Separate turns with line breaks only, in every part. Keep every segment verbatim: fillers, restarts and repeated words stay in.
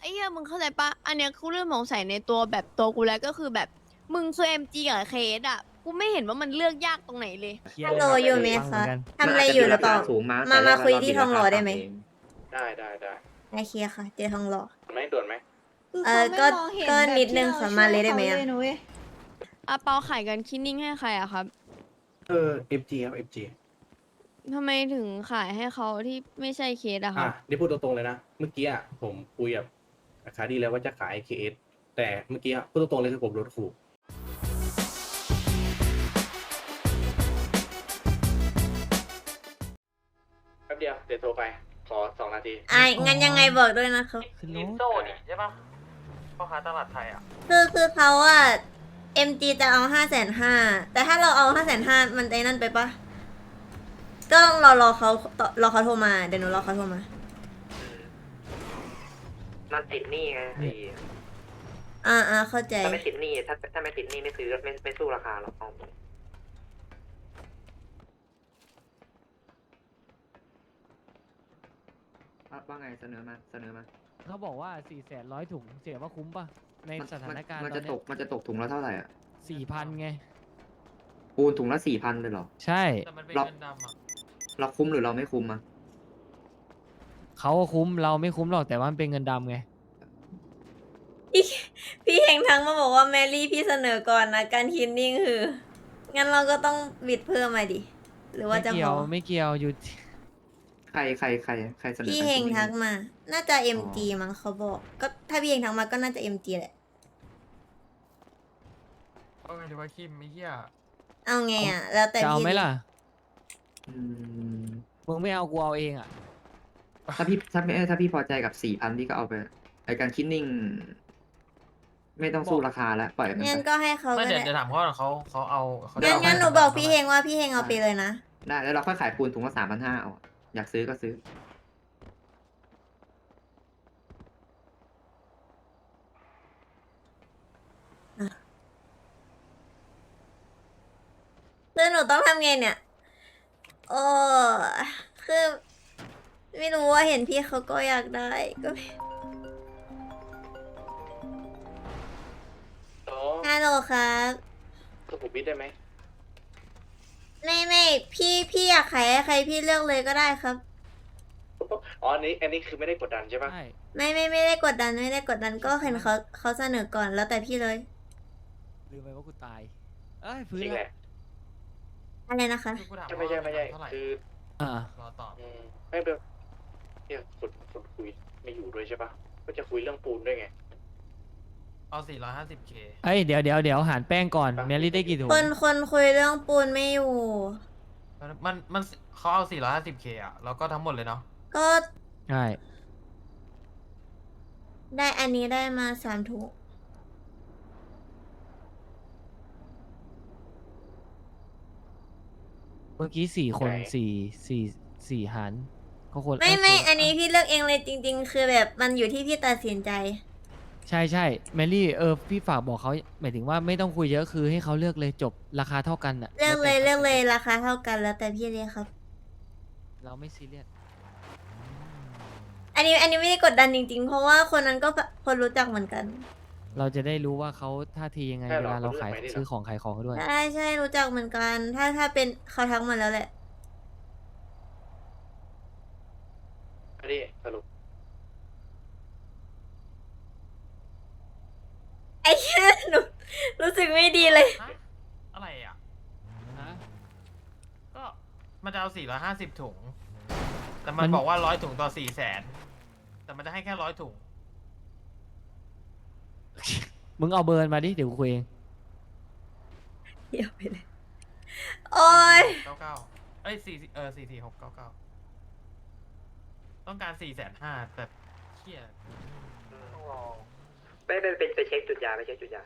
อ้เหี้ยมึงเข้าใจปะอันเนี้ยกูเริ่มสงสัยในตัวแบบตัวกูแล้วก็คือแบบมึงคือเอ็มจีกับเคสอ่ะกูไม่เห็นว่ามันเลือกยากตรงไหนเลย
ฮัลโหลอยู่ไหมคะทำอะไรอ
มันอาจจะ
ยู่หรือเปล่า
สูงมา
มา
แต่
มา
แรก
คุย
แล้ว
ที่
เรา
ทองหล่อได้ไหม
ราคาต่ำเอง
ได้ได้ได้
โอเคค่ะเจอทองหล่อ
ไม่ด่วนไหม
คือ
เอ
เขา
อ
ไม่
ก็
มองเห็น
ก็
แบบ
นิดนึง
ที่
ขอ
เรา
มาเลยได้ไหม
ช่ว
อะ
เขาเลยนะเว้ย
อาเปาขายกันคิดนิ่งให้ใครอะครับ
เออ เอฟ จี ครับ เอฟ จี
ทำไมถึงขายให้เขาที่ไม่ใช่เคสอะค
อ่ะ
รับ
นี่พูดตรงๆเลยนะ เมื่อกี้อ่ะผมคุยกับคาดีแล้วว่าจะขาย เค เอส แต่เมื่อกี้อ่ะพูดตรงๆเลยคือผมโดนขู่แป๊บเดียวเดี๋ยวโทรไป ขอสองนาที
อ่ะงั้นยังไงบอกด้วยนะครับ
ลินโซ่นี่ใช่ปะพ่อค้าตลาดไทยอ่ะ
คือคือเขาอะ เอ็ม จี จะเอาห้าแสนห้าแต่ถ้าเราเอาห้าแสนห้ามันไอ้นั่นไปปะก็ต้องรอรอเขาต่อรอเขาโทรมา เดี๋ยวหนูรอเขาโทรมา
มันติดหนี้ไงไอ้
อ่าอ่าเข้าใจ
ถ้าไม่ติดหนี้ถ้าถ้าไม่ติดหนี้ไม่ซื้อไม่ไม่สู้ราคาหรอกเอา
ว่าไงเสนอมาเสนอมา
เขาบอกว่าสี่แสนร้อยถุงเสียว่าคุ้มป่ะ ใน
มัน
สถานการณ์
มัน
ตอ
จะ
น
ต
เนี้
กมันจะตกถุงละเท่าไหร่อ่ะ
สี่พันไง
ปูนถุงละสี่พันเลยเหรอ
ใช่
แต่มันเป็น
เรา
เงินดำอ่ะ
เราคุ้มหรือเราไม่คุ้มอ่ะ
เขาก็คุ้มเราไม่คุ้มหรอกแต่ว่ามันเป็นเงินดำไง
พี่พี่เฮงทั้งมาบอกว่าแมรี่พี่เสนอก่อนนะการคินนิ่งคือ งั้นเราก็ต้องบิดเพิ่มมาดิ หรือว่า
ไม่
จะ
เกี่
พ
ยว
อ
ไม่เกี่ยวอยู่ที่
ใครใครใครใครเสนอ
พี่
กัน
เฮง
จริๆ
ทักมา น่าจะ เอ็ม จี มั้งเขาบอก ก็ถ้าพี่เฮงทักมาก็น่าจะ เอ็ม จี แหละ
เอาไงดีวะคิมไม่เหี้ย
เอาไงอ่ะ แล้วแต่
จะเอา
พี่
ไหมล่ะ
อืม
มึงไม่เอากูเอาเองอ่ะ
ถ้าพี่ถ้าไม่ถ้าพี่พอใจกับสี่พันพี่ก็เอาไปไอการคิดนิ่ง ไม่ต้องสู้ราคาแล้วปล่อยมัน
งั้น
ไป
ก็ให้เขา
ไม่
ก็
เดี๋ยว
ได้
เดี๋ยวถามเขาก่อนเขาเขาเอาเขาจะ
งั้น
เอา
งั้นหนู
ให้
บอก
ทำ
พี่
ไม
เฮงว่าพี่เฮงเอาไปเลยนะ
ได้แล้วเราค่อยขายปูนถุงละสามพันห้าเอาอยากซื้อก็ซื้อ
คือหนูต้องทำไงเนี่ย โอ้คือ ไม่รู้ว่าเห็นพี่เขาก็อยากได้ก็ไม่
โอ้
ฮัลโหลครับ
สุขุมวิทได้ไหม
ไม่ไม่พี่พี่อยากขายให้ใครพี่เลือกเลยก็ได้ครับ
อ๋ออันนี้อันนี้คือไม่ได้กดดันใช่ปะ
ใช่
ไม่ไม่ไม่ได้กดดันไม่ได้กดดันก็เห็นเขาเขาเสนอก่อนแล้วแต่พี่เลย
ลืมไปว่ากูตาย เอ้ยพื้น
จริง
แล้
แห
ว
ละ
อะไรนะคะ
คือกูถาม
ไม่ใช่
ว่า
ไม่ใช่
เท่าไหร่
คือ
อ่าร
อตอบ
อืมไม่เป็นเนี่ยคนคนคุยไม่อยู่ด้วยใช่ปะก็จะคุยเรื่องปูนด้วยไง
เอาสี่ร้อยห้าสิบเค
เอ้ยเดี๋ยวเดี๋ยวเดี๋ยวหารแป้งก่อน
ครับ
เมลี่ได้กี่ถุง
คนคนคุยเรื่องปูนไม่อยู่
มันมันมันเขาเอาสี่ร้อยห้าสิบเคอ่ะแล้วก็ทั้งหมดเลยเนาะ
ก็
ใช่
ได้อันนี้ได้มาสามถุง
เมื่อกี้สี่คน
ไหน
สี่สี่สี่หารก็คน
ไม่
เย
ไม่
คน
อันนี้พี่เลือกเองเลยจริง ๆ คือแบบมันอยู่ที่พี่ตัดสินใจ
ใช่ใช่เมลี่เออพี่ฝากบอกเขาหมายถึงว่าไม่ต้องคุยเยอะคือให้เขาเลือกเลยจบราคาเท่ากันอ่ะ
เลือกเลย
แวแต่
เลือกเลยราคาเท่ากันแล้วแต่พี่เลยครับ
เราไม่ซีเรียส
อันนี้อันนี้ไม่ได้กดดันจริง ๆ เพราะว่าคนนั้นก็คนรู้จักเหมือนกัน
เราจะได้รู้ว่าเขาท่าทียังไง
ใช่
เว
หรอ
ลาเรา
เขาเลือก
ขาย
ไหมนี่หรอ
ซื้อของขายของด้วย
ใช่ใช่รู้จักเหมือนกัน ถ้าถ้าเป็นเขาทักมาแล้วแหละ
อันนี้สรุป
ไอ้เหี้ยหนูรู้สึกไม่ดีเลย
ฮะอะไรอ่ะ
ฮะ
ก็มันจะเอาสี่ร้อยห้าสิบถุง แต่มั
มัน น
บอกว่าร้อยถุงต่อสี่แสนแต่มันจะให้แค่ร้อยถุง
มึงเอาเบอร์มาดิเดี๋ยวกูคุยเอง
เดี๋ยวไปเลย โอ้ย
เก้าเก้าเอ้ยสี่เออสี่สี่หกเก้าเก้าต้องการสี่แสนห้าแต่เชี่ย
ต้องรอไปไปไปไปเช็คจุดยาไปเช็คจุดยา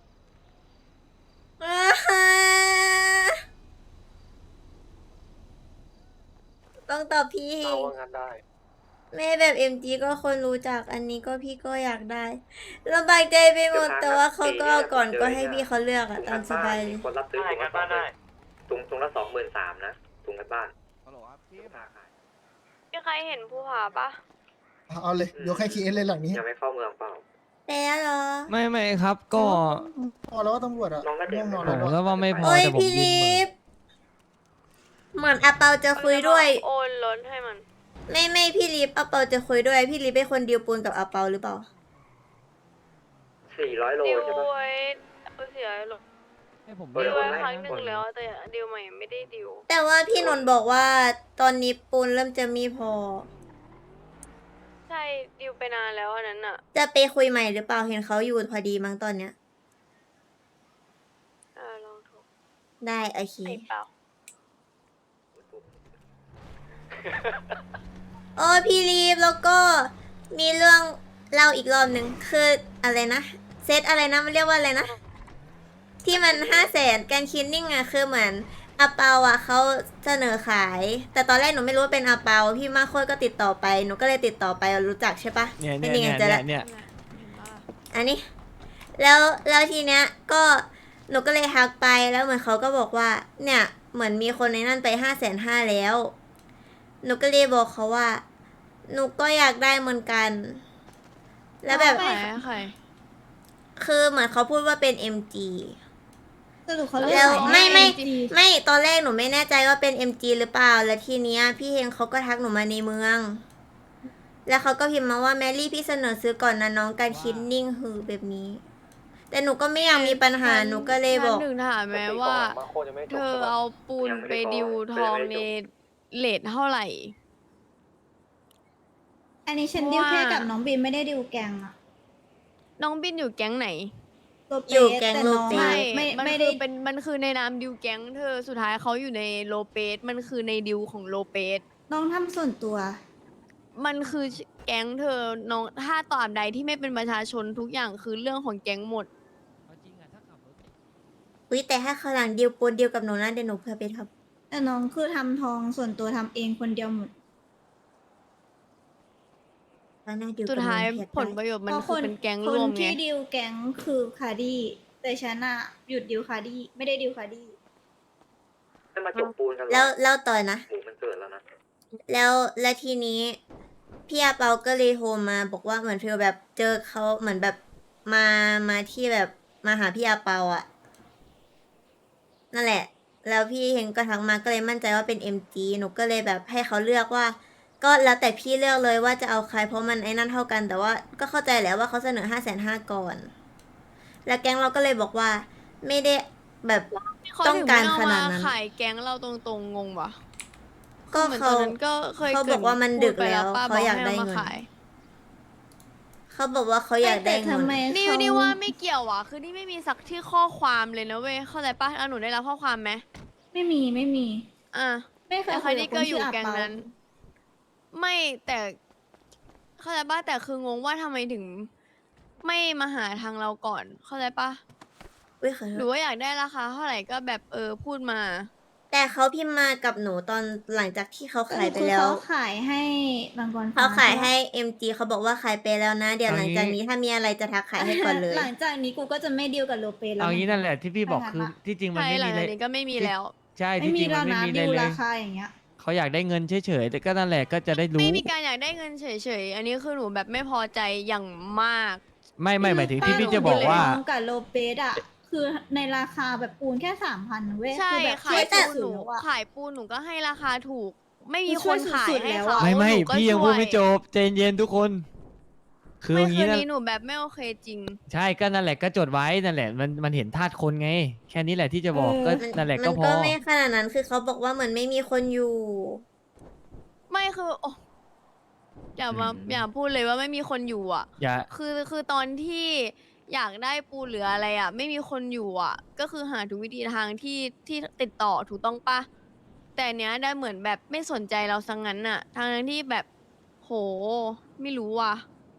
ต้องตอบพี่เอ
เอา
ง
ว่างานได้
แม่แบบ เอ็ม จี ก็คนรู้จักอันนี้ก็พี่ก็อยากได้ลำบากใจไปหมดแต่ว่าเขาก็เอาก่อนก็ให้พี่เขาเลือกอะตามสบายเลย
มีคนรับซื้อ
ได้
ถุง
กั
ละ
น
สอ
บ้าง น
หมื่
ได้
นถุงถุงละสองหมื่นสามนะถุงกันบ้าน
ฮัลโหลครับพี่
ราคาขาย
มีใครเห็นภูผาปะ
เอาเลยยกให้คีเอสเลยหลังนี้
ยังไม่เข้าเมืองเปล่า
ไปแล้วเหรอ
ไม่ไม่ครับก็
พอแล้วว่าตำรวจอะ
น้องก็เด็ก
ง่วงนอน
ผ
แล้ว
ม
ด้วย
ก็ว่าไม่พอ
โอ้ย
แต่ผม
พี่
ยืน
ลิ
เหมือน
ฟเหมือนอาเปาจะคุยด้วย
โอนรถให้มัน
ไม่ไม่พี่ลิฟอาเปาจะคุยด้วย พี่ลิฟเป็นคนดีลปูนกับอาเปาหรือเปล่า
สี่ร้อยโล
ดิว
ใช่ปะ
ไว้เสียหรอ
ให้ผม
เออ
ดิวไว้
ไม่
ครั้งหนึ่งแล้วแต่ดิวใหม่ไม่ได้ดิว
แต่ว่าพี่นนท์บอกว่าตอนนี้ปูนเริ่มจะมีพอ
ใช่ดิวไปนานแล้วอันนั้นอ่ะ
จะไปคุยใหม่หรือเปล่าเห็นเขาอยู่พอดีมั้งตอนเนี้ย
เออลองโทร
ได้โอเค
ไอ้เปล่า
โอ้พี่ลีฟแล้วก็มีเรื่องเล่าอีกรอบหนึ่งคืออะไรนะเซตอะไรนะมันเรียกว่าอะไรนะ ที่มันห้าแสนการคินนิ่งอะคือเหมือนอาเปาอะเขาเสนอขาย แต่ตอนแรกหนูไม่รู้ว่าเป็นอาเปาพี่มาโคตรก็ติดต่อไปหนูก็เลยติดต่อไปรู้จักใช่ปะ
เนี่ย
ไม่
เนี่ย
มี
เนี่ย
เงินจะ
เนี่
ละ
ยเนี่ย
อันนี้ แล้วแล้วทีเนี้ยก็หนูก็เลยทักไปแล้วเหมือนเขาก็บอกว่า เนี่ยเหมือนมีคนในนั่นไปห้าแสนห้าแล้ว หนูก็เลยบอกเขาว่า หนูก็อยากได้เหมือนกัน แล้วแบบ
ใครใคร
คือเหมือนเขาพูดว่าเป็น เอ็ม จี
สรุปเขา
แล้
เรียก
ว
ว่า
ไม่ไม่
เอ็จี
ไม่ตอนแรกหนูไม่แน่ใจว่าเป็น เอ็ม จี หรือเปล่า แล้วทีเนี้ยพี่เฮงเขาก็ทักหนูมาในเมือง แล้วเขาก็พิมพ์มาว่าแมรี่พี่เสนอซื้อก่อนนะน้องการคิดนิ่งหือแบบนี้ แต่หนูก็ไม่อยากมีปัญหาหนูก็เลยบอก
ฉันถึงถามแม้ว่า เธอเอาปูนไปดิวทองในเลทเท่าไหร่
อันนี้ฉันดิวแค่กับน้องบีมไม่ได้ดิวแกงอะ
น้องบินอยู่แก๊งไหน
โลเปส
อยู่แก๊ง
ต่
โล
น้อง
เปส
อะ
ไม่
ไม่
มัน
ไม่
คื
ได้
อเป็นมันคือในนามดิวแก๊งเธอสุดท้ายเขาอยู่ในโลเปสมันคือในดิวของโลเปส
น้องทำส่วนตัว
มันคือแก๊งเธอน้องถ้าตราบใดที่ไม่เป็นประชาชนทุกอย่างคือเรื่องของแก๊งหมด
เอาจริงอะถ้าขับรถ
อุ้ยแต่ถ้าเขาวหลังดีลปูนดีลกับหนูนะเดี๋ยวหนูเพื่อไปท
แต่น้องคือทำทองส่วนตัวทำเองคนเดียวหมด
ำแล้วน่าดีล
สุ
กับหนู
ดท้าย
เพีย
ผลประโยชน์มัน
เพราะ
คือเป็นแก๊ง
ค
ร
น
วมไง
ที่ดิวแก๊งคือคาร์ดี้แต่ฉันอะหยุดดิวคาร์ดี้ไม่ได้ดิวคาร์ดี้
จะมาจบปูนกันเหรอ
แล้วแล้วต่อนะ
หมูมันเกิดแล้วนะ
แล้วแล้วทีนี้พี่อาเปาก็เลยโทรมาบอกว่าเหมือนฟีลแบบเจอเขาเหมือนแบบมามาที่แบบมาหาพี่อาเปาอะนั่นแหละ แล้วพี่เฮงก็ทักมาก็เลยมั่นใจว่าเป็น เอ็ม จี หนูก็เลยแบบให้เขาเลือกว่า ก็แล้วแต่พี่เลือกเลยว่าจะเอาใครเพราะมันไอ้นั่นเท่ากัน แต่ว่าก็เข้าใจแหล้วว่าเขาเสนอห้าแสนห้าก่อน แล้วแก๊งเราก็เลยบอกว่าไม่ได้แบบ
เขา
ต้อง
ถึง
การ
ไม่เอา
ขนาด
มา
นั้น
ขายแก๊งเราตรงๆงงวะ
ก็
หมือน
เขา
ตอนนั้นก็เคย
เขาบอกว่ามัน
พู
ดึก
ไป
แล้ว
ป้
เขาอยากได้
บ
เงิน
ให้มขาย
เขาบอกว่าเขาอยากได้
แต่
เงิ
ทำ
น
ไม
นี่
เขา
นี่ว่าไม่เกี่ยวอ่ะ คือนี่ไม่มีสักที่ข้อความเลยนะเว้ย เข้าใจปะอ่ะหนูได้รับข้อความไหม
ไม่มีไม่มี
อ่ะ
ไม่เคย
แต่
คุ
ใคร
ย
นี่
กับค
ก็
น
อ
ชื่
ยู่
ออา
แก๊ง
เปา
นั้น ไม่แต่เข้าใจปะแต่คืองงว่าทำไมถึง ไม่มาหาทางเราก่อน เข้าใจปะ
อุ้ยขอโท
หรื
ษ
อว่าอยากได้ราคาเท่าไหร่ก็แบบเออพูดมา
แต่เขาพิมพ์มากับหนูตอนหลังจากที่เขาขายไป
คือ
แล้ว
เขาขายให้บางกร
เขาขาย
ฟ้
ให้ เอ็ม จี เขาบอกว่าขายไปแล้วนะ เดี๋ยวหลังจากนี้ถ้ามีอะไรจะทักขายให้ก่อนเลย
หลังจากนี้กูก็จะไม่ดีลกับโลเปสแล้ว
เอางี้นั่นแหละที่พี่บอก
ไม่ทัน
คือ
ละ
ที่จริงมัน
ใช่
ไม่
หลั
มี
ง
อะไร
จากนี้ก็ไม่มีแล้ว
ใช่
ไม่
ที่จ
มี
ริง
แล้
มั
วน
ไม่
นะ
มีอะไร
ดิว
เล
ราย คาอย่างเงี้ย
เขาอยากได้เงินเฉยๆแต่ก็นั่นแหละก็จะได้รู้
ไม่มีการอยากได้เงินเฉยๆ อันนี้คือหนูแบบไม่พอใจอย่างมาก
ไม่ไม่หมายถึงที่
ป้
พี่
หนู
จะบอกว่า
น้องกับโลเปสอะคือในราคาแบบปูนแค่สามพันเว้ย
ใช่
คือแบบ
ขาย
ช่วย
ปูนหนู
สุดๆแล้วอะ
ขายปูนหนูก็ให้ราคาถูก ไม่มี
ช่
ค
วย
นขาย
สุดๆ
ให้
แล้ว
เขา
อะ
ไม่ไม่
หนูก็
พี่ยัง
ช่
พู
ว
ดไม่จบใจเย็นทุกคน คือ
ไม่
อย่าง
คื
นี้
น
นะ
นี้หนูแบบไม่โอเคจริง
ใช่ก็นั่นแหละก็จดไว้นั่นแหละมันมันเห็นธาตุคนไง แค่นี้แหละที่จะบอกก็
มัน
นั่นแหละ
มั
ก็
น
พ
ก็
อ
ไม่ขนาดนั้น คือเขาบอกว่าเหมือนไม่มีคนอยู่
ไม่คือโอ้อย่ามา
อืม
อย่าพูดเลยว่าไม่มีคนอยู่อ่ะ
อย่า
คือคือตอนที่อยากได้ปูเหลืออะไรอ่ะ ไม่มีคนอยู่อ่ะ ก็คือหาทุกวิธีทางที่ที่ติดต่อถูกต้องปะแต่เนี้ยได้เหมือนแบบไม่สนใจเราสังงั้นอ่ะทางนั้นที่แบบโหไม่รู้ว่ะ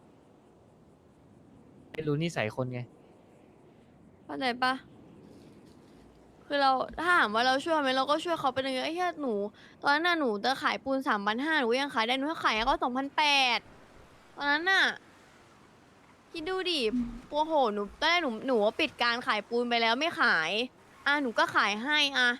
ไม่รู้นิสัยคนไง
เข้าใจปะคือเราถ้าถามว่าเราช่วยไหมเราก็ช่วยเขาไปเลยไอ้แค่หนู ตอนนั้นน่ะหนูจะขายปูนสามพันห้าหนูก็ยังขายได้หนูก็ขายให้เขาสองพันแปดตอนนั้นน่ะคิดดูดิปัวโหนูตอนแรกหนูหนูว่าปิดการขายปูนไปแล้วไม่ขาย อ่ะหนูก็ขายให้อ่ะ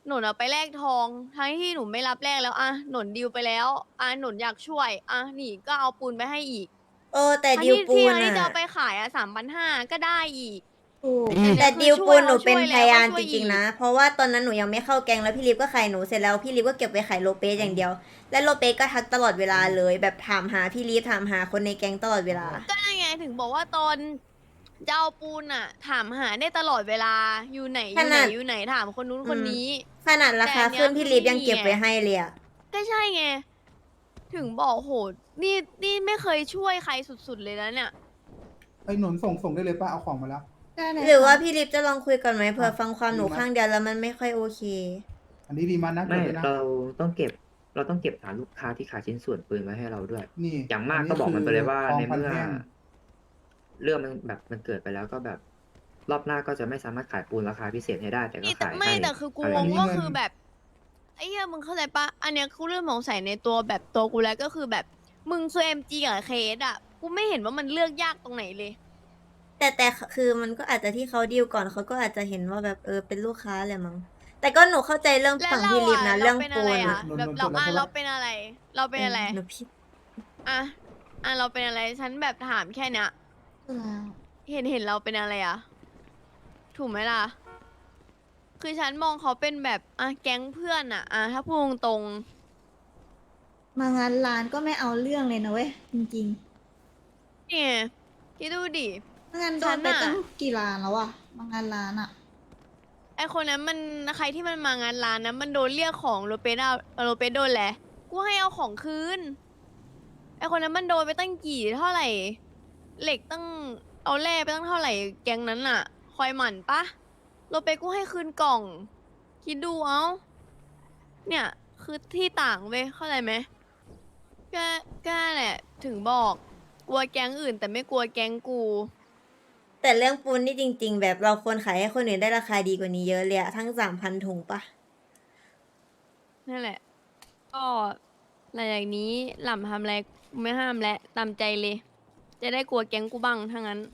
หนุนเอาไปแลกทองทั้งที่หนูไม่รับแลกแล้วอ่ะหนุนดีลไปแล้วอ่ะหนุนอยากช่วยอ่ะนี่ก็เอาปูนไปให้อีก
โอ้แต่
ทั้ง
ดิว
ที่
ปู
ที่
น
ทั้งที่จะ
อ่ะ
เอาไปขายอ่ะสามพันห้าก็ได้อีก
ถูก
อืม
แต่
เนี่ย
ดิว
คือ
ปูนหนู
ช่วย
เป็น
เรา
พยาน
ช่วย
จ
อีก
ริงๆนะ เพราะว่าตอนนั้นหนูยังไม่เข้าแก๊งแล้วพี่ลิฟก็ขายหนูเสร็จแล้วพี่ลิฟก็เก็บไปขายโลเปสอย่างเดียว และโลเปสก็ทักตลอดเวลาเลย แบบถามหาพี่ลิฟถามหาคนในแก๊งตลอดเวลา
ก็นั่นไงถึงบอกว่าตอนจะเอาปูนอ่ะ ถามหาได้ตลอดเวลาอยู่ไหนอ
ข
ยู่ไหน
นาด
อยู่ไหนถามคนนู้น
อืม
คนนี้
ขนาดราคา
แต่อันเนี้ย
ขึ้นพี่ลิฟ
คือ
ยังเก็บ
ไม่มี
ไว้
ไง
ให้เลยอะ
ก็ใช่ไง ถึงบอกโหนี่นี่ไม่เคยช่วยใครสุดๆเลยนะเนี่ย
ไอ้หนุนส่งส่งได้เลยป้าเอาของมาแล้ว
ได้เลย
หรือว่า
ค่ะ
พี่ลิฟจะลองคุยก่อนไหมเผื่อ
อ่ะ
ฟังความหนู
ดีมาก
ข้างเดียวแล้วมันไม่ค่อยโอเค
อันนี้ดีมันนะ
ไม่
เก็บว้นะ
เราต้องเก็บ เราต้องเก็บฐานลูกค้าที่ขายชิ้นส่วนปืนไว้ให้เราด้วย
นี่
อย่างมาก
นนี้
ก็บอกมันไปเลยว่า
คือ
ใน
ทองพัน
เมื่อ
แท่ง
เรื่องมันแบบมันเกิดไปแล้วก็แบบ รอบหน้าก็จะไม่สามารถขายปูนราคาพิเศษให้ได้ แต่ก็
นี่แต่
ขาย
ไม่
ให้
แต่คือกู
อะไร
ง
อย่าง
ง
เงี้ย
ก็คือแบบไอ้เหี้ยมึงเข้าใจปะอันเนี้ยกูเริ่มสงสัยในตัวแบบตัวกูแล้วก็คือแบบมึงคือเอ็มจีกับเคสอ่ะกูไม่เห็นว่ามันเลือกยากตรงไหนเลย
แต่แต่คือมันก็อาจจะที่เขาดีลก่อนเขาก็อาจจะเห็นว่าแบบเออเป็นลูกค้าแหละมั้ง แต่ก็หนูเข้าใจเรื่อง
แล้ว
ฝั่ง
เรา
พี่ลิฟ
อ่ะ
นะ
เรา
เรื่อง
เป็น
ปู
อะไร
น
อ่ะ
อะ
แบบเราอ่ะเราเป็นอะไร เราเป็นอะไร
หนูพี่
อ่ะอ่ะเราเป็นอะไรฉันแบบถามแค่เนี้ย
แล้ว
เห็นเห็นเราเป็นอะไรอ่ะ ถูกไหมล่ะ คือฉันมองเขาเป็นแบบอ่ะแก๊งเพื่อนอ่ะอ่ะถ้าพูดตรง
มางานร้านก็ไม่เอาเรื่องเลยนะเว้ย จริง
ๆเนี่ยคิดดูดิ
ๆมางานโด
ฉั
น
น
ไป
น่ะ
ตั้งกี่ร้านแล้วอะมางานร้านอะ
ไอคนนั้นมันใครที่มันมางานร้านนะมันโดนเรียกของโรเปสเอาโรเปสโดนแหละกูให้เอาของคืนไอคนนั้นมันโดนไปตั้งกี่เท่าไหร่ เหล็กตั้งเอาแร่ไปตั้งเท่าไหร่แก๊งนั้นอะคอยหมั่นปะโรเปสกูให้คืนกล่อง คิดดูเอาเนี่ยคือที่ต่างเว้ยเข้าใจไหมก็ก็นั่นแหละถึงบอกกลัวแก๊งอื่น แต่ไม่กลัวแก๊งกู
แต่เรื่องปูนนี่จริง ๆ แบบเราควรขายให้คนอื่นได้ราคาดีกว่านี้เยอะเลยอะทั้งสามพันถุงปะ
นั่นแหละ ก็หลังจากนี้หล่ำทำอะไรกูไม่ห้ามและตามใจเลย จะได้กลัวแก๊งกูบ้างถ้างั้น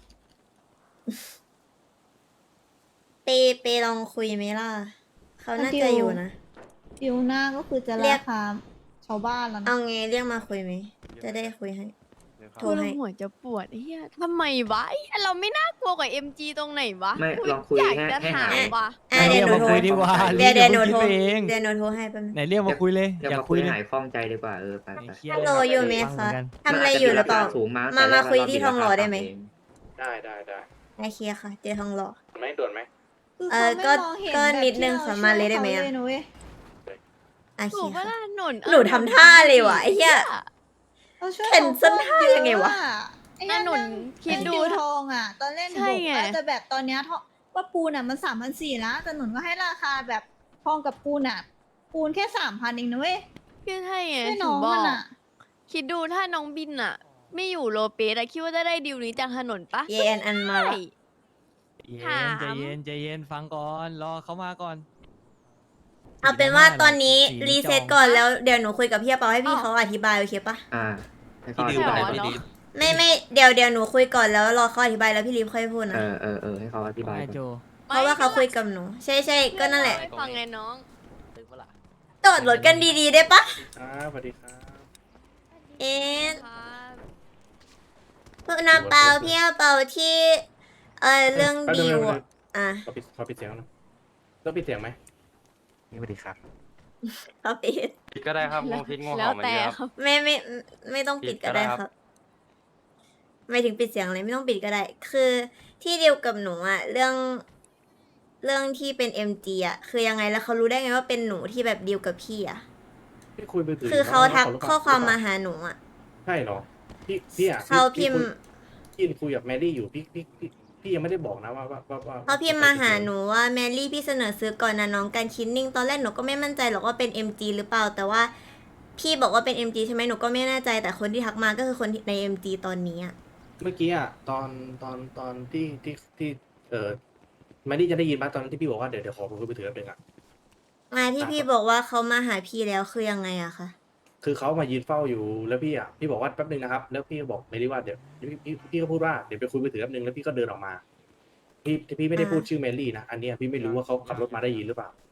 เปเปลองคุยไหมล่ะ เขาน่าจะอยู่นะ
ดิวหน้าก็คือจะ
เรีย
ราก คาชาวบ้านแล้ว
เอา
นะ
ไงเรียกมาคุยไหม จะได้คุยให้ โทร
กูแล้ว
ให้
หัวจะปวดไอ้เฮียทำไมวะไอ้เหี้ยเราไม่น่ากลัวกว่า เอ็ม จี ตรงไหนวะ
ไม่
กู
ลองคุย
อยาก
ให้
จะ
ให้
ถา
หาม ย
ว่ะ
อ่ะเดี๋ยวหนูโทร
คุยดีกว่า
เดี๋ยวเดี๋ยวหนู
พิ่ง
โทร
คิดไปเอง
เดี๋ยวหนูโทรให้แป๊บนึง
ไหนเรียกมาคุยเลย
เดี๋ยว
อยาก
มา
คุ
คุ
ย
ย
เลย
หายคล่องใจดีกว่าเออไปไป
เครียด
ฮัลโหลอยู่ไหม
ฟังเหมื
คะ
อนกัน
ทำอะไรอยู่หรือเปล่า
สูงมา
มา
แต่แร
มาก คุย
เร
ที่ทองหล่อได้ไหม
ได้ได้ได้
โอเคค่ะ เจอทองหล่อ
ไหมด่วนไหม
คือ
เอ
เขา
อ
ไม่
ก็
มองเห็น
ก็
แบบ
นิดนึง
ที่ร
ขอมาเลยได้ไหม
ช่ว
อะ
ขานะเว้ย
โอ
ถู
เค
กปะ
ค่ะ
ล่ะหนน
หนูทำท่าเลยวะไอ้เหี้ย
เราช่วย
เห็น
เขา
เส้นท่า
โคตร
ยังไงวะ
เยอไอ้
น่า
เหี้ย
หนุนคิดดู
ไอ้ทองอ่ะ ตอนเล่น
ใช่
บอก
ไง
ว่าจะแบบตอนเนี้ยทองว่าปูนอ่ะมันสามพันสี่แล้วแต่หนุนก็ให้ราคาแบบทองกับปูนอ่ะ ปูนแค่สามพันเองนะเว้ย
คือใช่ไง
ให้
ถึ
น้อง ง
บอ
มัน
ก
อ่ะ
คิดดูถ้าน้องบินอะไม่อยู่โลเปสอะคิดว่าจะได้ดิวนี้จากถนนปะ
เยแอนอันมา
ใช่
ละ
เย็น
ถาม
ใจเย็นใจเย็นฟังก่อนรอเขามาก่อน
เอาเป็นว่าตอนนี้
สี
รีเซ็ต
จอง
ก่อนแล้วเดี๋ยวหนูคุยกับพี่เปาให้พี่เขาอธิบายโอเคปะ
อ่าให้เขา
พี่
อ
ดิว
ธิบาย
เหรอ
ก่อน
เนาะ
ไม่ไม่เดี๋ยวเดี๋ยวหนูคุยก่อนแล้วรอเขาอธิบายแล้วพี่ลิฟค่อยพูด
เอ
นะ
อเออเออให้เขาอธิบาย
ไอ
ก่อน
โจ
เพราะว่าเขาคุยกับหนู ใช่ใช่ก็นั่นแหละ
ไม่ฟังไงน้อง
จอดรถกันดีๆได้ปะ
ครับสวัสดีครับ
เอ๊ะ
ครับ
พวกน้ำเปาพี่เปาที่เออเรื่อง
แป๊บนึ
ดี
ง
ว
แป๊บนึ
อะ
ง
อ่ะ
ขอปิดขอปิดเสียงหนะต้องปิดเสียงไหมสวัสดีครับ
เขาปิด
ปิดก็ได้ครับงงพิษงง
แล้
เห่าว มัน
แต่
เยอะ
ค
ครับ
รับ
ไม่ไม่ไม่ไม่ต้องปิดก็ได้
ปิดก็ได้
ค
ครั
รับ บ ไม่ถึงปิดเสียงเลยไม่ต้องปิดก็ได้ คือที่เดียวกับหนูอะเรื่อง เรื่องที่เป็น เอ็ม จี อะคือยังไงแล้วเขารู้ได้ไงว่าเป็นหนูที่แบบดีลกับพี่อะ
พี่คุยไปถึง
คือเขาทัก
น้งๆ
ข้อความมา
หรือเปล่
หาหนูอะ
ใช่เหรอพี่พี่อ่ะ
เขา
พี่
พิมพ์
พี่คุยพี่คุยกับแมรี่อยู่พี่พี่พี่พี่ยังไม่ได้บอกนะว่าว่าว่าว่า
เขาพิมพ์มาหาหนูว่าแมรี่พี่เสนอซื้อก่อนนะน้องการคิดนิ่งตอนแรกหนูก็ไม่มั่นใจหรอกว่าเป็น เอ็ม จี หรือเปล่า แต่ว่าพี่บอกว่าเป็น เอ็ม จี ใช่ไหมหนูก็ไม่แน่ใจแต่คนที่ทักมาก็คือคนที่ใน เอ็ม จี ตอนนี้อะ
เมื่อกี้อ่ะตอนตอนตอนที่ที่ที่เออแมรี่จะได้ยินปะตอนที่พี่บอกว่าเดี๋ยวเดี๋ยวขอคุยไปถือแป๊บนึงอ่ะ
มาที่พี่บอกว่าเขามาหาพี่แล้วคือยังไงอะคะ
คือเขามายืนเฝ้าอยู่แล้วพี่อ่ะพี่บอกว่าแป๊บนึงนะครับ แล้วพี่ก็บอกไม่ได้ว่าเดี๋ยวพี่พี่พี่ก็พูดว่าเดี๋ยวไปคุยไปถือแป๊บนึงแล้วพี่ก็เดินออกมา พี่พี่ไม่ได้พูดชื่อแมรี่นะอันเนี้ยพี่ไม่รู้ว่าเขาขับรถมาได้ยินหรือเปล่า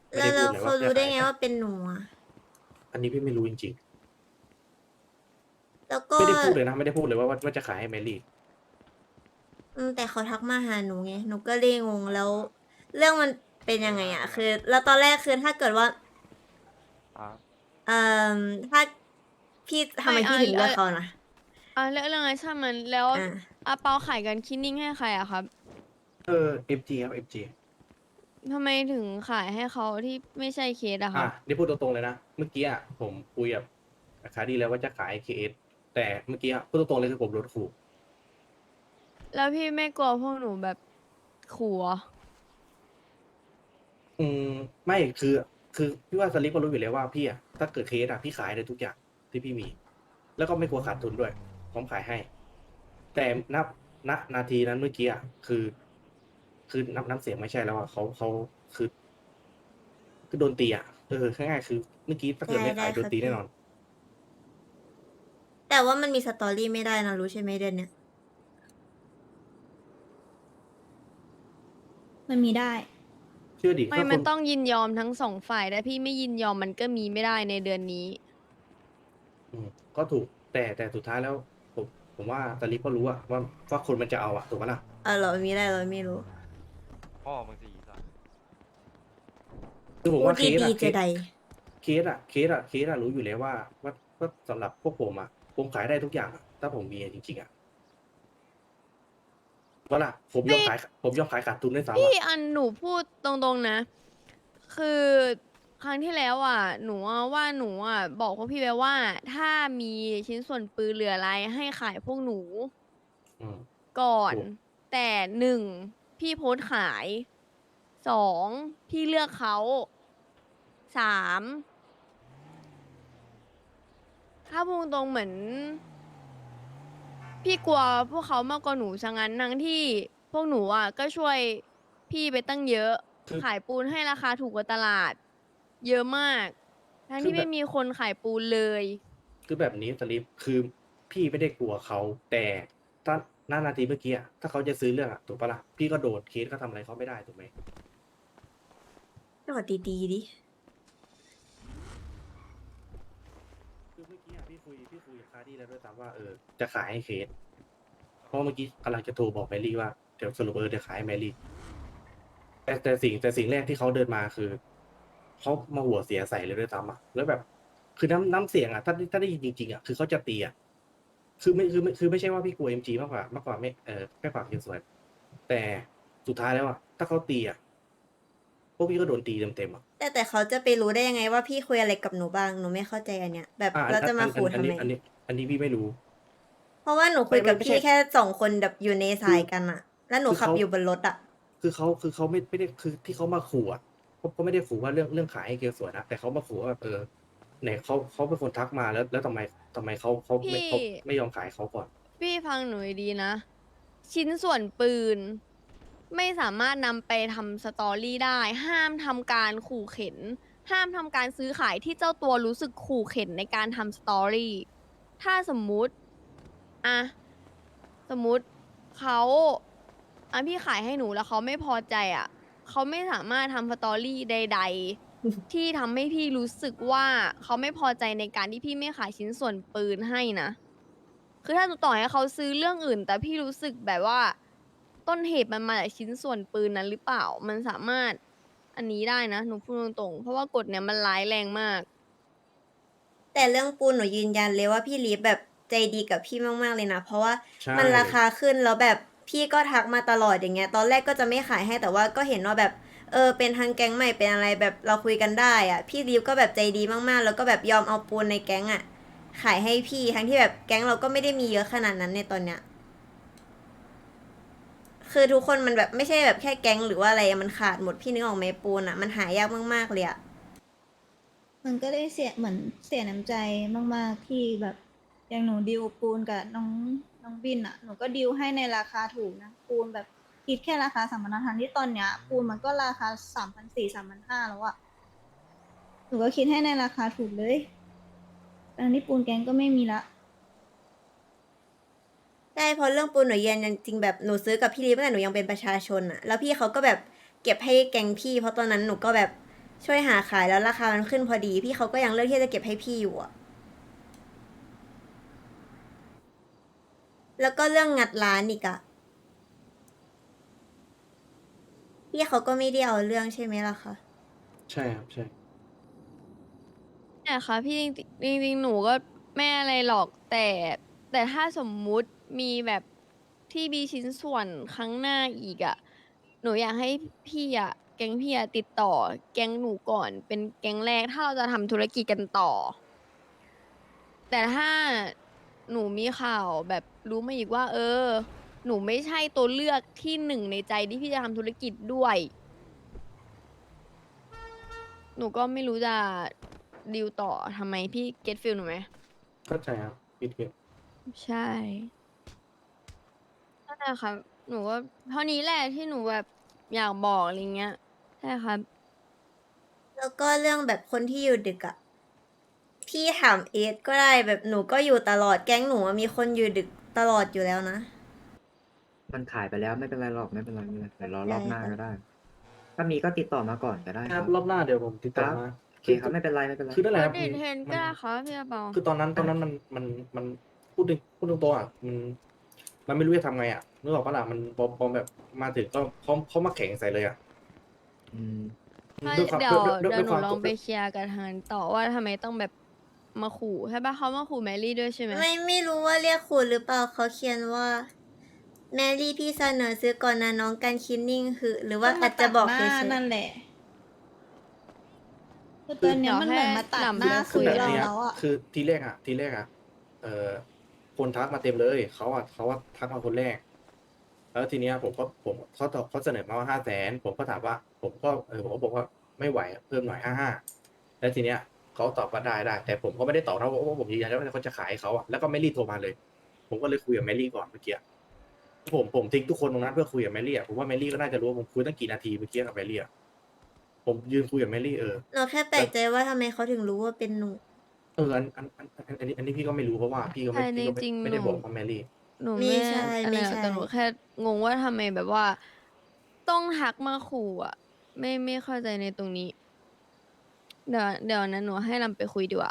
ไม่
แล้
ได้
ว
พู
เรา
ดเลยว่าจะ
เขารู้ได้
ขาย
ไงว่าเป็นหนูอะ
อันนี้พี่ไม่รู้จริง
แล้ว
ๆ
ก็
ไม่ได้พูดเลยนะ ไม่ได้พูดเลยว่าว่าว่าจะขายให้แมรี่
อืมแต่เขาทักมาหาหนูไง หนูก็เลยงงแล้ว เรื่องมันเป็นยังไงอะคือ แล้วตอนแรกคือถ้าเกิดว่าเอ่อถ้าพี่ทำไม
ไม่
พี่
อ่ะ
ถึงเลือก
อ่ะ
เขานะ
อ่ะเรื่องเรื่องอะไรช่างมันแล้ว
อ่ะ
อาเปาขายกันคินนิ่งให้ใครอะครับ
เออ เอฟ จี ครับ เอฟ จี
ทำไมถึงขายให้เขาที่ไม่ใช่เคสอะค
อ่ะ
รับ
นี่พูดตรงๆเลยนะ เมื่อกี้อ่ะผมคุยกับอาคาดีแล้วว่าจะขาย เค เอส แต่เมื่อกี้อ่ะพูดตรงๆเลยคือผมโดนขู่
แล้วพี่ไม่กลัวพวกหนูแบบขู่เหรอ
อืมไม่คือ คือพี่ว่าสลิปก็รู้อยู่แล้วว่าพี่อ่ะถ้าเกิดเคสอ่ะพี่ขายได้ทุกอย่างที่พี่มี แล้วก็ไม่กลัวขาดทุนด้วยพร้อมขายให้ แต่นับณนาทีนั้นเมื่อกี้อ่ะคือ คือน้ำน้ำเสียงไม่ใช่แล้วอ่ะเขาเขาคือ คือโดนตีอ่ะเออง่ายๆคือเมื่อกี้ถ้าเกิดไม่
ได้
ขาย
ได้
โดน
ครับ
ตี
พี่
แน่นอน
แต่ว่ามันมีสตอรี่ไม่ได้นะรู้ใช่ไหมเดือนเนี้ย
มันมีได้
เชื่อดิ
ไม่
ถ้าค
มัน
น
ต้องยินยอมทั้งสองฝ่ายแต่พี่ไม่ยินยอมมันก็มีไม่ได้ในเดือนนี้
อืมก็ถูกแต่แต่สุดท้ายแล้ว ผมผมว่าสลิปก็รู้อะว่าว่าคนมันจะเอาอะถูกปะล่ะ
เออเรามีได้เราไม่รู้
พ่อมึงสีสัน
คือผม
พูด
ว่าเคส
ดี
อะ
ๆ
เค
จะ
ส
ใด
เคสอะเคสอะเคสอะรู้อยู่แล้วว่าว่าว่าสำหรับพวกผมอะผมขายได้ทุกอย่างอะถ้าผมมีจริงๆอะว่าล่ะผมยอมขาย ผมยอมขายขาดทุนด้วยซ้ำ
พี่
อะ
อันหนูพูดตรงๆนะ คือครั้งที่แล้วอ่ะ หนูอะว่าหนูอ่ะบอกพวกพี่ไปว่า ถ้ามีชิ้นส่วนปืนเหลืออะไรให้ขายพวกหนู
อืม
ก่อน
ถูก
แต่หนึ่งพี่โพสต์ขายสองพี่เลือกเขาสามถ้าพูดตรงๆเหมือน พี่กลัวพวกเขามากกว่าหนูซะงั้นทั้งที่พวกหนูอ่ะก็ช่วยพี่ไปตั้งเยอะ
คือ
ขายปูนให้ราคาถูกกว่าตลาด เยอะมาก ทั้งที่ไม่มีคนขายปูนเลย
คือแบบนี้สลิปคือพี่ไม่ได้กลัวเขาแต่ถ้าหน้านาทีเมื่อกี้อะถ้าเขาจะซื้อเรื่องอะถูกปะล่ะพี่ก็โดนเคสก็ทำอะไรเขาไม่ได้ถูกไหม
ก็ดีดีๆดิ
คือเมื่อกี้อะพี่คุยพี่คุยกับคาร์ดี้แล้วด้วยซ้ำว่าเออจะขายให้เคส เพราะเมื่อกี้กำลังจะโทรบอกแมรี่ว่าเดี๋ยวสรุปเออเดี๋ยวขายให้แมรี่แต่แต่สิ่งแต่สิ่งแรกที่เขาเดินมาคือเขามาหัวเสียใส่เลยด้วยซ้ำอ่ะแล้วแบบ คือน้ำน้ำเสียงอ่ะถ้าถ้าได้ยินจริงๆอ่ะคือเขาจะตีอ่ะคือไม่คือไม่คือไม่ใช่ว่าพี่กลัวเอ็มจีมากกว่ามากกว่าไม่เออแค่ความเคิดสวยแต่สุดท้ายแล้วอ่ะถ้าเขาตีอ่ะพวกพี่ก็โดนตีเต็มๆอ่ะ
แต่แต่เขาจะไปรู้ได้ยังไงว่าพี่คุยอะไรกับหนูบ้าง หนูไม่เข้าใจอันเนี้ย แบบ
อ่ะอัน
เราจะมา
อัน
ขู่
อัน
ทำ
นี้
ไม
อันนี้ อันนี้พี่ไม่รู้
เพราะว่าหนูคุยกับ
ไม่ไม่ใช่
พี่แค่สองคนแบบอยู่ในสายกันอะแล้วหนู
คือ
ขับ
เขา
อยู่บนรถอะ
คือเขาคือเขาไม่ไม่ได้คือที่เขามาขู่อ่ะเขาเขาไม่ได้ขู่ว่าเรื่องเรื่องขายให้เกลสวยนะแต่เขามาขู่ว่าแบบเออไหนเขาเขาเป็นคนทักมาแล้ว แล้วทำไมทำไมเขาเขาไม่
พี่
เขาไม่ยอมขายเขาก่อน
พี่ฟังหนูดีๆนะ ชิ้นส่วนปืน ไม่สามารถนำไปทำสตอรี่ได้ ห้ามทำการขู่เข็น ห้ามทำการซื้อขายที่เจ้าตัวรู้สึกขู่เข็นในการทำสตอรี่ ถ้าสมมุติอะสมมุติเขาอ่ะพี่ขายให้หนูแล้วเขาไม่พอใจอ่ะเขาไม่สามารถทำสตอรี่ใด ๆ ที่ทำให้พี่รู้สึกว่าเขาไม่พอใจในการที่พี่ไม่ขายชิ้นส่วนปืนให้นะ คือถ้าต่อให้เขาซื้อเรื่องอื่น แต่พี่รู้สึกแบบว่า ต้นเหตุมันมาจากชิ้นส่วนปืนนั้นหรือเปล่า มันสามารถอันนี้ได้นะหนูพูดตรงๆเพราะว่ากฎเนี่ยมันร้ายแรงมาก
แต่เรื่องปูนหนูยืนยันเลยว่าพี่ลีฟแบบใจดีกับพี่มากๆเลยนะ เพราะว่า
ใช่
มันราคาขึ้นแล้วแบบพี่ก็ทักมาตลอดอย่างเงี้ย ตอนแรกก็จะไม่ขายให้แต่ว่าก็เห็นว่าแบบเออเป็นทางแก๊งใหม่เป็นอะไรแบบเราคุยกันได้อะพี่ลีฟก็แบบใจดีมากๆ แล้วก็แบบยอมเอาปูนในแก๊งอะขายให้พี่ทั้งที่แบบแก๊งเราก็ไม่ได้มีเยอะขนาดนั้นในตอนเนี้ย คือทุกคนมันแบบไม่ใช่แบบแค่แก๊งหรือว่าอะไรอะมันขาดหมดพี่นึกออกไหมปูนอะมันหายากมากๆเลยอะ
มันก็ได้เสียเหมือนเสียน้ำใจมากๆที่แบบอย่างหนูดิวปูนกับน้องน้องบินอ่ะหนูก็ดิวให้ในราคาถูกนะปูนแบบคิดแค่ราคาสามพันห้าทันที่ตอนเนี้ยปูนมันก็ราคาสามพันสี่สามพันห้าแล้วอ่ะหนูก็คิดให้ในราคาถูกเลยตอนนี้ปูนแกงก็ไม่มีละ
ใช่เพราะเรื่องปูนหนูยืนยันจริงแบบหนูซื้อกับพี่ลีฟตั้งแต่หนูยังเป็นประชาชนอะแล้วพี่เขาก็แบบเก็บให้แก๊งพี่ เพราะตอนนั้นหนูก็แบบช่วยหาขายแล้วราคามันขึ้นพอดี พี่เขาก็ยังเลือกที่จะเก็บให้พี่อยู่อะแล้วก็เรื่องงัดร้านอีกอะพี่เขาก็ไม่ได้เอาเรื่องใช่ไหมล่ะคะ
ใช่ครับใช่
เนี่ยค่ะพี่จริงๆจริงๆหนูก็ไม่อะไรหรอกแต่แต่ถ้าสมมุติมีแบบที่มีชิ้นส่วนครั้งหน้าอีกอะหนูอยากให้พี่อะแก๊งพี่อะติดต่อแก๊งหนูก่อนเป็นแก๊งแรกถ้าเราจะทำธุรกิจกันต่อ แต่ถ้าหนูมีข่าวแบบรู้มาอีกว่า เออ หนูไม่ใช่ตัวเลือกที่หนึ่งในใจที่พี่จะทำธุรกิจด้วย หนูก็ไม่รู้จะดีลต่อทำไมพี่เก็ตฟิลหนูไหม
เข้าใจครับพี่เก็ต
ใช่นั่นแหละครับ หนูก็เท่านี้แหละที่หนูแบบอยากบอกอะไรเงี้ย ใช่ครับ
แล้วก็เรื่องแบบคนที่อยู่ดึกอะพี่ถามเอสก็ได้แบบหนูก็อยู่ตลอดแก๊งหนูอะมีคนอยู่ดึกตลอดอยู่แล้วนะ
มันขายไปแล้วไม่เป็นไรหรอกไม่เป็นไรไม่เป็นไรเดี๋ยวรอรอบหน้า
ได้ค่ะ
ก็ได้ ถ้ามีก็ติดต่อมาก่อนก็ได้
ค
ค
รั
รั
บบ รอบหน้าเดี๋ยวผมติดต่อ
ครับ
มา
โอเคครับไม่เป็นไรไม่เป็นไร
คือนั่นแหละครับ
เดทเทน
มั
ก็ได้ครับพี่กระเปา
คือตอนนั้นตอนนั้นมันมันมันพูดถึงพูดตรงๆอ่ะมันมันไม่รู้จะทำไงอ่ะนึกออกปะล่ะมันพอพอแบบมาถึงก็เขาเขามาแข่งใส่เลยอ่ะ
อืม
ถ้า
ด้วยความ
เดี๋ยว
ด้วย
เดี๋ยวหนู
ความ
ลองไปเคลียร์กับทางนั้นต่อว่าทำไมต้องแบบมาขู่ใช่ปะเขามาขู่แมรี่ด้วยใช่ไหม
ไม่ไม่รู้ว่าเรียกคุณหรือเปล่าเขาเขียนว่า แมรี่พี่เสนอซื้อก่อนนะน้องการคินนิ่งคือ หรือว่าอาจจะบอก
ห
เฉ
น้าย นั่นแหละคือตอนเนี้ยมันเหมือนมาตัดหน้า
คุ
คุ
ย
ย
กับ
เรา
เนี้ย
แล้วอะ
คือทีแรกอ่ะ ทีแรกอ่ะ เอ่อคนทักมาเต็มเลยเขาอ่ะเขาว่าทักมาคนแรก แล้วทีเนี้ยผมก็ผมเขาตอบเขาเสนอมาว่าห้าแสนผมก็ถามว่า ผมก็เออผมก็บอกว่าไม่ไหวอะเพิ่มหน่อยห้าห้าแล้วทีเนี้ยเขาตอบว่าได้ได้แต่ผมก็ไม่ได้ตอบนะเพราะว่าผมยืนยันว่าเขาจะขายให้เขาอ่ะแล้วก็แมรี่โทรมาเลย ผมก็เลยคุยกับแมรี่ก่อนเมื่อกี้ผมผมทิ้งทุกคนตรงนั้นเพื่อคุยกับแมรี่อ่ะผมว่าแมรี่ก็น่าจะรู้ว่าผมคุยตั้งกี่นาทีเมื่อกี้กับแมรี่อ่ะผมยืนคุยกับแมรี่เออ
หนูแค่แปลกใจว่าทำไมเขาถึงรู้ว่าเป็นหนู
เอออันอันอันอันอันนี้อันนี้พี่ก็ไม่รู้เพราะว่าพี่ก็ไม่
ใช่
พี่ก็
จริ
ไม่
งๆ
ไม่ได้
หนู
บอกว่าแมรี่
หนู
ไม่
ไม่
ใช่
อะไร
ไม่
หรอก
ใช่
แต่หนูแค่งงว่าทำไมแบบว่า ต้องทักมาขู่อ่ะ ไม่ไม่เข้าใจในตรงนี้ เดี๋ยวเดี๋ยวนั้นหนูให้ลำไปคุยดีกว่า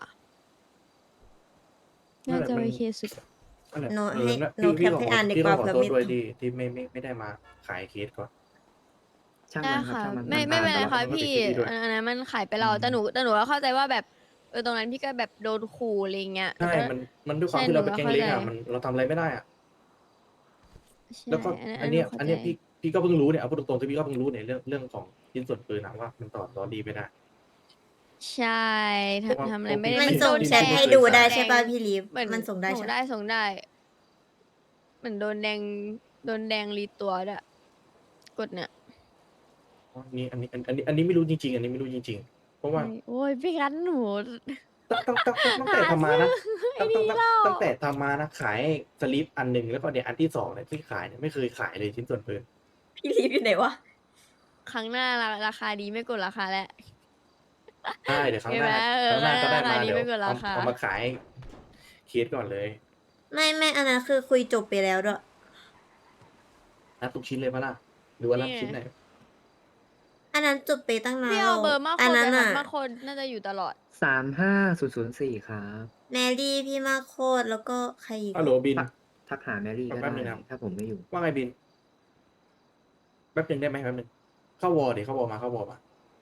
นั่
น่าน
แหละ
จะ
มัน
โอเคสุด
นั่นแหละ
หนู
เอ
ให้
อนะ
หนู
พี่
แค
พี่
ป
ขอ
ให้อ่านดี
พี่
ก
ต้อ
ว่าง
ขอ
เผื่อ
โทษ
ไม่
ด้วย
ตอบ
ที่ที่ไม่ไม่ไม่ได้มาขายเคสก่อน
ช่าง
ได้
มันครับ
ค่ะ
ช่างมัน
ไม่
น
ไม่เป็นไร
ผ่า
ค่ะ
แล้ว
มันก็
พี่
ติดที่พี่ด้วย
อันอันนั้นมันขายไปแล้ว
อืม
แต่หนูแต่หนูก็เข้าใจว่าแบบเออตรงนั้นพี่ก็แบบโดนขู่อะไรเงี้ย
ใช่
แต่ก็
มันมันด้วยความ
ใช่
ที่เราเป็น
หนู
แก๊ง
ก็
เล็กอ่ะ
เข้าใจ
มันเราทำอะไรไม่ได้อ่ะ
ใช่
แล้วก็
อัน
อัน
ห
เนี้ย
เข้า
อันเนี้ย
ใจ
พี่พี่ก็เพิ่งรู้เนี่ยเอาพูดตรงๆที่พี่ก็เพิ่งรู้เนี่ยเรื่องเรื่องของชิ้นส่วนปืนนะว่ามันต่อต่อดีไม่ได้
ใช่
เพราะว่า
ทำทำอะไรไม่ได้
มัน
พี่
โด
ส่ง
น
แช
แด
ท
ง
ให้ดูได้
แดง
ใช่ป่ะพี่ลีฟ
เหมือน
มันส่งได้
ส่ง
ใช่
ได้ส่งได้ เหมือนโดนแดงโดนแดงรีตัวด้วยกดเนี่ย
อันนี้อันนี้อันนี้อันนี้ไม่รู้จริงๆ อันนี้ไม่รู้จริงๆ เพราะว่า
โอ้ยพี่กันหนู
ตั้งตั้งตั้งตั้งตั้งแต่ทำมานะ
ไอ้
ตั้ง
นี่
ตั้ง
เล่า
ตั้งแต่ทำมานะขายสลิปอันหนึ่งแล้วก็เนี่ยอันที่สองเนี่ยที่ขายเนี่ยไม่เคยขายเลยชิ้นส่วนปืน
พี่ลีฟอยู่ไหนวะ
ครั้งหน้าราราคาดีไม่กดราคาแล้ว
ใช่เดี๋ยวครั้งหน้า
เห็นไหม
ครั้งหน้าก็ได้
ราคา
มา
นี้
เดี๋ยว
ไม่เกิน
เอา
ราคา
เอามาขายเคสก่อนเลย
ไม่ไม่อันนั้นคือคุยจบไปแล้วด้วย
นับทุกชิ้นเลยปะล่ะหรือว่านับ
นี่ไง
ชิ้นไหน
อันนั้นจบไปตั้งนาน
พี่
แล้
เอา
ว
เบอร์มาโค
อัน
น
นั้
ไป
น
ครั
อ่ะ
บมาโคนน่าจะอยู่ตลอด
สามห้าศูนย์ศูนย์สี่ครับ
แมรี่พี่มาโคตรแล้วก็ใครอีก
ฮัลโหลบิน
ทักทักหาแมรี่ก็
แป๊บ
ได้
นึงนะครับ
ถ้าผมไม่อยู่
ว่าไงบินแป๊บหนึงได้ไหมแป๊บหนึงเข้าวอร์ดิเข้าวอร์มาเข้าวอร์มา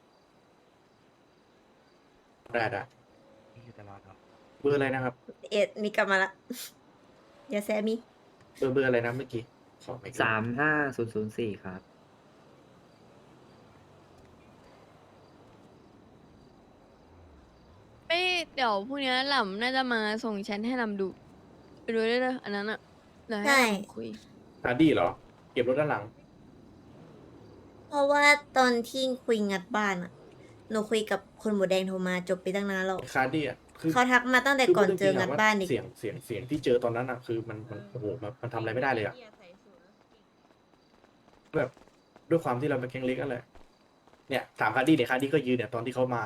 ได้ได้เบอร์อะไรนะครับ
เอ็ดมีกลับมาละ อย่าแซมี
เบอร์เบอร์อะไรนะเมื่อกี้ขอไม่
สามห้าศูนย์ศูนย์สี่ครับ
ไม่เดี๋ยวพรุ่งนี้หล่ำน่าจะมาส่งแชทให้ลำดู ไปดูได้เลยอันนั้นอ่ะเดี๋ยวให้
ใช่
ลำคุย
ฮาร์ดี้เหรอ เก็บรถด้านหลัง
เพราะว่าตอนที่คุยงัดบ้านอ่ะ หนูคุยกับคนหมูแดงโทรมาจบไปตั้งนานแล้ว
คาร์ดี้อ่ะคือ
เขาทักมาตั้งแต่ก่อนเจองัดบ้านอีก
เสียงเสียงเสียงที่เจอตอนนั้นอ่ะคือมันมันโอ้โหมันมันทำอะไรไม่ได้เลยอ่ะแบบด้วยความที่เราเป็นแก๊งเล็กนั่นแหละเนี่ยถามคาร์ดี้เนี่ยคาร์ดี้ก็ยืนเนี่ยตอนที่เขามา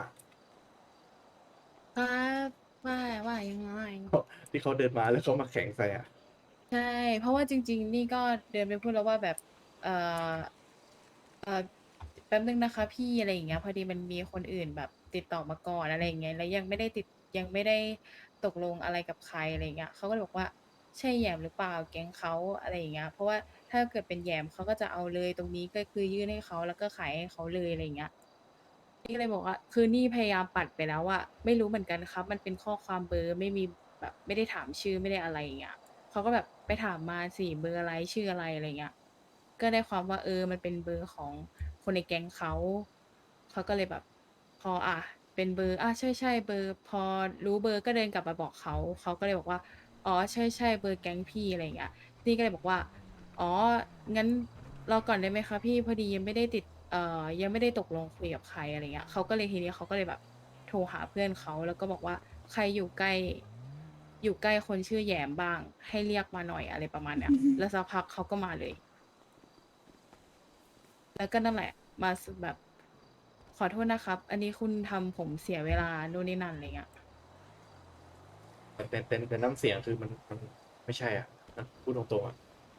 ครับว่าว่ายังไง
ที่เขาเดินมาแล้วเขามาแข่งใส่อ่ะ
ใช่ เพราะว่าจริง ๆ นี่ก็เดินไปพูดแล้วว่าแบบ เออเออแป๊บนึงนะคะพี่อะไรอย่างเงี้ยพอดีมันมีคนอื่นแบบติดต่อมาก่อนอะไรอย่างเงี้ยแล้วยังไม่ได้ติดยังไม่ได้ตกลงอะไรกับใครอะไรอย่างเงี้ยเขาก็เลยบอกว่าใช่แหยมหรือเปล่าแก๊งเขาอะไรอย่างเงี้ยเพราะว่าถ้าเกิดเป็นแหยมเขาก็จะเอาเลยตรงนี้ก็คือยื่นให้เขาแล้วก็ขายให้เขาเลยอะไรอย่างเงี้ยนี่ก็เลยบอกว่าคือนี่พยายามปัดไปแล้วว่าไม่รู้เหมือนกันครับ มันเป็นข้อความเบอร์ไม่มีแบบไม่ได้ถามชื่อไม่ได้อะไรอย่างเงี้ยเขาก็แบบไปถามมาสิเบอร์อะไรชื่ออะไรอะไรเงี้ย ก็ได้ความว่าเออมันเป็นเบอร์ของคนในแก๊งเขา เขาก็เลยแบบพออ่ะเป็นเบอร์อ่ะใช่ใช่เบอร์พอรู้เบอร์ก็เดินกลับมาบอกเขา เขาก็เลยบอกว่าอ๋อใช่ใช่เบอร์แก๊งพี่อะไรอย่างเงี้ยนี่ก็เลยบอกว่าอ๋องั้นรอก่อนได้ไหมคะพี่พอดียังไม่ได้ติดเอ่อยังไม่ได้ตกลงคุยกับใครอะไรเงี้ยเขาก็เลยทีนี้เขาก็เลยแบบโทรหาเพื่อนเขาแล้วก็บอกว่าใครอยู่ใกล้ อยู่ใกล้คนชื่อแหยมบ้าง ให้เรียกมาหน่อยอะไรประมาณเนี้ย แล้วสักพักเขาก็มาเลย แล้วก็นั่นแหละ มาสแบบ ขอโทษนะครับ อันนี้คุณทำผมเสียเวลานู่นนี่นั่นอะไรเงี้ย
แต่แต่แต่แต่น้ำเสียงคือมันมันไม่ใช่อ่ะนะพูดตรงๆอ่ะ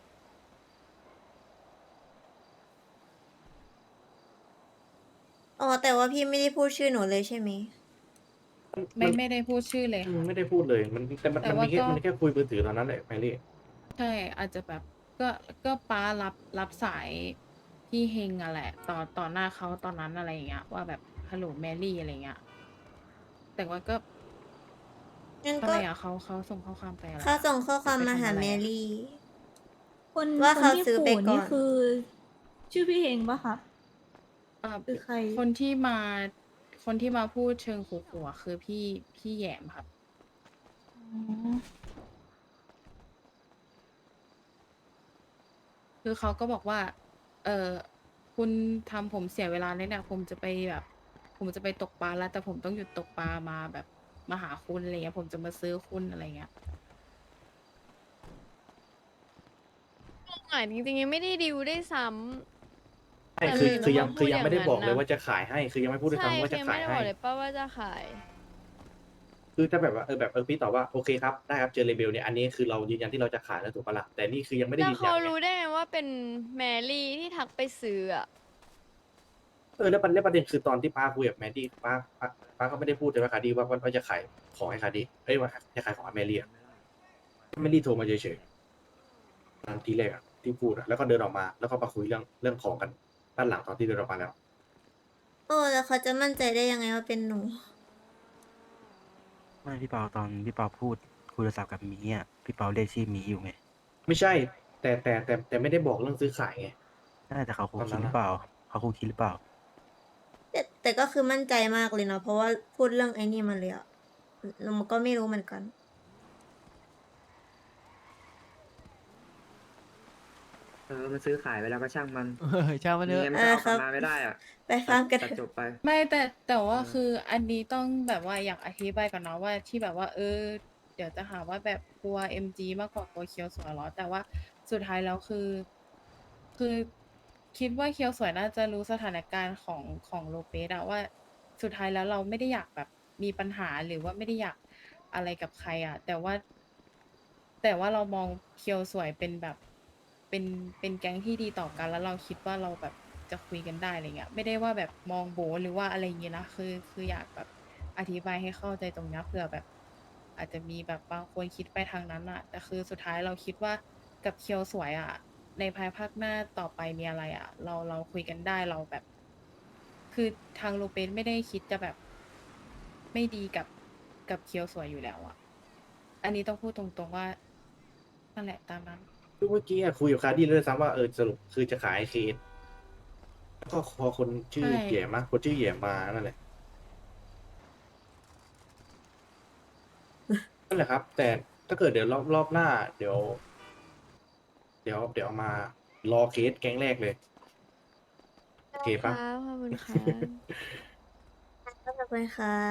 อ๋อแต่ว่าพี่ไม่ได้พูดชื่อหนูเลยใช่ไหม
ไม่ไม่ได้พูดชื่อเลย
อืม
ค่ะ
ไม่ได้พูดเลยมันแต่มัน
แต่
มัน
ว่า
มีแค่
ก็
มันแค่คุยมือถือตอนนั้นแหละแมรี่
ใช่ อาจจะแบบ ก็ ก็ป้ารับ รับสายพี่เฮงอะแหละ ต่อ ต่อหน้าเขาตอนนั้นอะไรอย่างเงี้ย ว่าแบบ ฮัลโหลแมรี่อะไรเงี้ย แต่ว่าก็
งั้น
ทำ
ก็
ไมอะเขาเขาส่งข้อความไปอะไร
เขา
อะ
ส่งข้อความ
จะไป
มาหา
ทำอะไร
แม
อะ
รี่
คน
ว่า
คน
เขา
ที่
ซื้อไป
ขู่
ก่
นี่
อน
คือ ชื่อพี่เฮงปะครับ
อ่า
คือใคร
คนที่มา คนที่มาพูดเชิงขู่ๆอะคือพี่ พี่แหยมครับ
อ๋อ
คือเขาก็บอกว่า เอ่อ คุณทำผมเสียเวลาเลยเนี่ยผมจะไปแบบ ผมจะไปตกปลาแล้ว แต่ผมต้องหยุดตกปลามาแบบมาหาคุณอะไรเงี้ย ผมจะมาซื้อคุณอะไรเงี้ย
อ่ะจริงๆยังไม่ได้ดิวได้วยซ้ำ
ใช่
แต่
คือ
ทำไม
คือยัง
ต้องมา
คือยัง
พูด
ไม่ได้
อย่าง
บอก
นั้น
เลย
น่ะ
ว่าจะขายให้ คือยังไม่พูดด้วย
ใช่
ซ้ำว่า
คื
จะ
อยัง
ขา
ไม่
ย
ได้บ
ให้
อกเลยป้าว่าจะขาย
คือถ้าแบบว่าเออแบบเออพี่ตอบว่าโอเคครับได้ครับเจอเลเบลเนี่ยอันนี้คือเรายืนยันที่เราจะขายแล้วถูกปะล่ะแต่นี่คือยังไม่ได้
แล้ว
ยืนยั
เขา
นไง
รู้ได้ไงว่าเป็นแมรี่ที่ทักไปซื้ออ่ะ
เออแล้วประเด็นประเด็นคือตอนที่ป้าคุยกับแมดดี้ป้าป้าป้าก็ไม่ได้พูดเลยว่าคาดี้ว่าว่าจะขายของให้คาดี้เอ้ยว่าจะขายของให้แมรี่อะแมรี่โทรมาเฉยๆตอนทีแรกอะที่พูดอะแล้วก็เดินออกมาแล้วก็มาคุยเรื่องเรื่องของกันด้านหลังตอนที่เดินออกมาแล้ว
โอ้แล้วเขาจะมั่นใจได้ยังไงว่าเป็นหนู
ไม่พี่เปาตอนพี่เปาพูดคุยโทรศัพท์กับมีอ่ะพี่เปาเรียกชื่อมีอยู่ไง
ไม่ใช่ แต่แต่แต่แต่ไม่ได้บอกเรื่องซื้อขายไง
น่าจะเขาคง
ตอนนั้
คิด
น
หรือเปล่าเขาคงคิดหรือเปล่า
แต่แต่ก็คือมั่นใจมากเลยเนาะเพราะว่าพูดเรื่องไอ้นี่มาเลยอะเราก็ไม่รู้เหมือนกัน
เออมันซื้อขายไปแล้วก็ช่างมัน
เออช่างมันเถอะ
ยังไงมัน
เอ
ก็
อ
เอา
ค
ก
รั
ลั
บ
บมาไม่ได้อะ
ไปฟังกัน
ตัดจบไป
ไม่แต่แต่ว่า
เออ
คืออันนี้ต้องแบบว่าอยากอธิบายก่อนเนาะว่าที่แบบว่า เออ เดี๋ยวจะหาว่าแบบกลัว เอ็ม จี มากกว่ากลัวเคียวสวยเหรอ แต่ว่าสุดท้ายแล้วคือ คือคิดว่าเคียวสวยน่าจะรู้สถานการณ์ของของโลเปสอะว่าสุดท้ายแล้วเราไม่ได้อยากแบบมีปัญหาหรือว่าไม่ได้อยากอะไรกับใครอะแต่ว่า แต่ว่าเรามองเคียวสวยเป็นแบบเป็นเป็นแก๊งที่ดีต่อกัน แล้วเราคิดว่าเราแบบจะคุยกันได้อะไรเงี้ยไม่ได้ว่าแบบมองโบหรือว่าอะไรอย่างเงี้ยนะคือคืออยากแบบอธิบายให้เข้าใจตรงเนี้ยเผื่อแบบ อาจจะมีแบบบางคนคิดไปทางนั้นอะแต่คือสุดท้ายเราคิดว่ากับเคียวสวยอะในภายภาคหน้าต่อไปมีอะไรอะเราเราคุยกันได้เราแบบ คือทางโลเปสไม่ได้คิดจะแบบไม่ดีกับกับเคียวสวยอยู่แล้วอะอันนี้ต้องพูดตรงๆว่านั่นแหละตามนั้น
คือเมื่อกี้อะคุยกับคาดี้เลยด้วยซ้ำว่าเออสรุปคือจะขายเคสแล้วก็พอคนชื่อ
ใช่
เหย่มาคนชื่อเหย่มานั่นแหละนั่นแหละครับ แต่ถ้าเกิดเดี๋ยวรอบรอบหน้า เดี๋ยว เดี๋ยวเดี๋ยวเอามารอเคสแก๊งแรกเลยโอเคปะ
ครับขอบคุณครับ
ขอบคุณครับ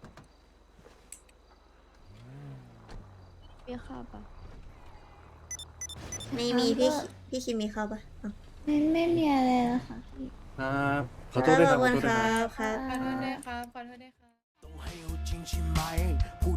มีข้าวปะ
ไม่มีพี่คิพี่คิมมีเข้าปะอ้าว
ไม่ไม่มีอะไรแล้วค่ะพี่
ครับขอโทษด้วย
ข
ค
อ
รั
บบ คุ
ขอ
ณ
โทษ
ค
ด้วย
รั
ครับ
บครับ
ขอโทษด้วยครับขอโทษด้วยครับ
ต้องให้เอาจริงใช่ไหมกู